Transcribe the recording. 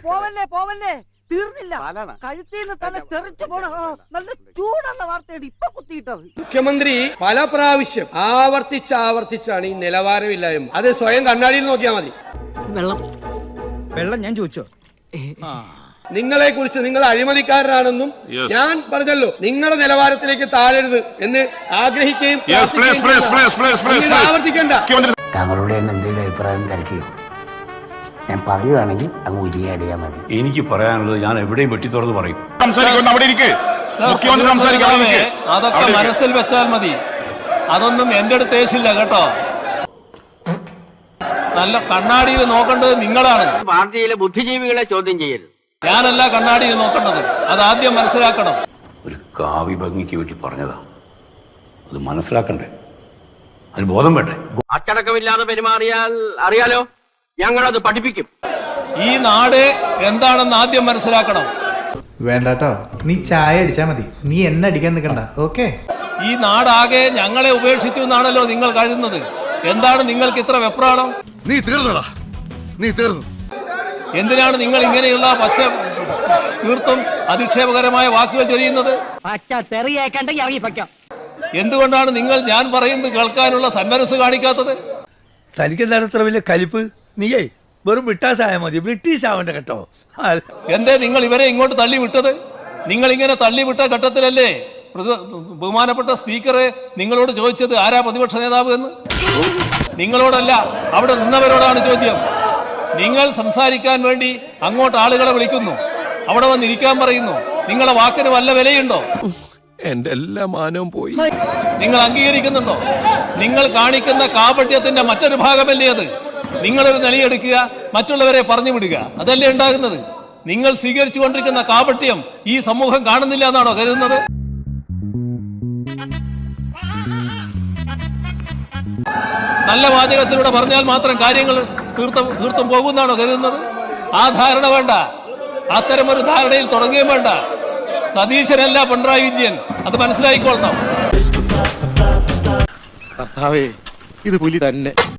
പോവല്ലേ പോവല്ലേ, തീർന്നില്ല. കഴുത്തിന്ന് തല തെറിച്ചു പോണ നല്ല ചൂടുള്ള വാർത്തയാണ് ഇപ്പൊ കുത്തിയിട്ടത്. മുഖ്യമന്ത്രി പല പ്രാവശ്യം ആവർത്തിച്ചാണ് ഈ നിലവാരമില്ലായ്മ. അത് സ്വയം കണ്ണാടിയിൽ നോക്കിയാൽ മതി. വെള്ളം ഞാൻ ചോദിച്ചോ? നിങ്ങളെ കുറിച്ച് നിങ്ങൾ അഴിമതിക്കാരനാണെന്നും ഞാൻ പറഞ്ഞല്ലോ, നിങ്ങളുടെ നിലവാരത്തിലേക്ക് താഴരുത് എന്ന് ആഗ്രഹിക്കുകയും ആവർത്തിക്കണ്ട. താങ്കളുടെ എന്തെങ്കിലും അഭിപ്രായം തിരക്കിയോ? ഞാൻ പറയുകയാണെങ്കിൽ അങ്ങ് ഉരിയാടിയാൽ മതി. എനിക്ക് പറയാനുള്ളത് ഞാൻ എവിടെയും വെട്ടി തുറന്ന് പറയും. അതൊക്കെ മനസ്സിൽ വെച്ചാൽ മതി. അതൊന്നും എന്റെ അടുത്ത് ഏശില്ല കേട്ടോ. നല്ല കണ്ണാടിയിൽ നോക്കേണ്ടത് നിങ്ങളാണ്. പാർട്ടിയിലെ ബുദ്ധിജീവികളെ ചോദ്യം ചെയ്യരുത്. ഞാനല്ല കണ്ണാടിയിൽ നോക്കേണ്ടത്, അതാദ്യം മനസ്സിലാക്കണം. ഒരു കാവ്യ ഭംഗിക്ക് വേണ്ടി പറഞ്ഞതാ, അത് മനസ്സിലാക്കണ്ടേ? അതിന് ബോധം വേണ്ടേ? അച്ചടക്കമില്ലാതെ പെരുമാറിയാൽ അറിയാലോ, ഞങ്ങളത് പഠിപ്പിക്കും. ഈ നാട് എന്താണെന്ന് ആദ്യം മനസ്സിലാക്കണം. വേണ്ടാട്ടോ, നീ ചായ അടിച്ചാ മതി, നീ എന്നെ അടിക്കാൻ നിൽക്കണ്ട. ഓക്കെ? ഈ നാടാകെ ഞങ്ങളെ ഉപേക്ഷിച്ചു എന്നാണല്ലോ നിങ്ങൾ കരുതുന്നത്. എന്താണ് നിങ്ങൾക്ക് ഇത്ര വെപ്രാളം? നീ തീർന്നടാ, നീ തീർന്നു. എന്തിനാണ് നിങ്ങൾ ഇങ്ങനെയുള്ള തീർത്തും അധിക്ഷേപകരമായ വാക്കുകൾ ചൊരിയുന്നത്? എന്തുകൊണ്ടാണ് നിങ്ങൾ ഞാൻ പറയുന്നത് കേൾക്കാനുള്ള സന്മനസ് കാണിക്കാത്തത്? തനിക്കെന്താണ് ഇത്ര വലിയ കലിപ്പ്? നീയേ വെറും ബ്രിട്ടാസായ മതി, ബ്രിട്ടീഷ് ആവണ്ട കേട്ടോ. എന്തേ നിങ്ങൾ ഇവരെ ഇങ്ങോട്ട് തള്ളി വിട്ടത്? നിങ്ങൾ ഇങ്ങനെ തള്ളിവിട്ട ഘട്ടത്തിലല്ലേ ബഹുമാനപ്പെട്ട സ്പീക്കറെ നിങ്ങളോട് ചോദിച്ചത് ആരാ പ്രതിപക്ഷ നേതാവ് എന്ന്? നിങ്ങളോടല്ല, അവിടെ നിന്നവരോടാണ് ചോദ്യം. നിങ്ങൾ സംസാരിക്കാൻ വേണ്ടി അങ്ങോട്ട് ആളുകളെ വിളിക്കുന്നു, അവിടെ വന്നിരിക്കാൻ പറയുന്നു. നിങ്ങളെ വാക്കിന് വല്ല വിലയുണ്ടോ? എന്റെ എല്ലാ മാനവും പോയി. നിങ്ങൾ അംഗീകരിക്കുന്നുണ്ടോ? നിങ്ങൾ കാണിക്കുന്ന കാപട്യത്തിന്റെ മറ്റൊരു ഭാഗമല്ലേ അത്? നിങ്ങളൊരു നിലയെടുക്കുക, മറ്റുള്ളവരെ പറഞ്ഞു വിടുക, അതല്ലേ ഉണ്ടാകുന്നത്? നിങ്ങൾ സ്വീകരിച്ചു കൊണ്ടിരിക്കുന്ന കാപട്യം ഈ സമൂഹം കാണുന്നില്ല എന്നാണോ കരുതുന്നത്? നല്ല വാചകത്തിലൂടെ പറഞ്ഞാൽ മാത്രം കാര്യങ്ങൾ തീർത്തും പോകുന്നാണോ കരുതുന്നത്? ആ ധാരണ വേണ്ട. അത്തരമൊരു ധാരണയിൽ തുടങ്ങുകയും വേണ്ട. സതീശനല്ല പിണറായി വിജയൻ, അത് മനസ്സിലായിക്കൊള്ളണം. ഇത് പുലി തന്നെ.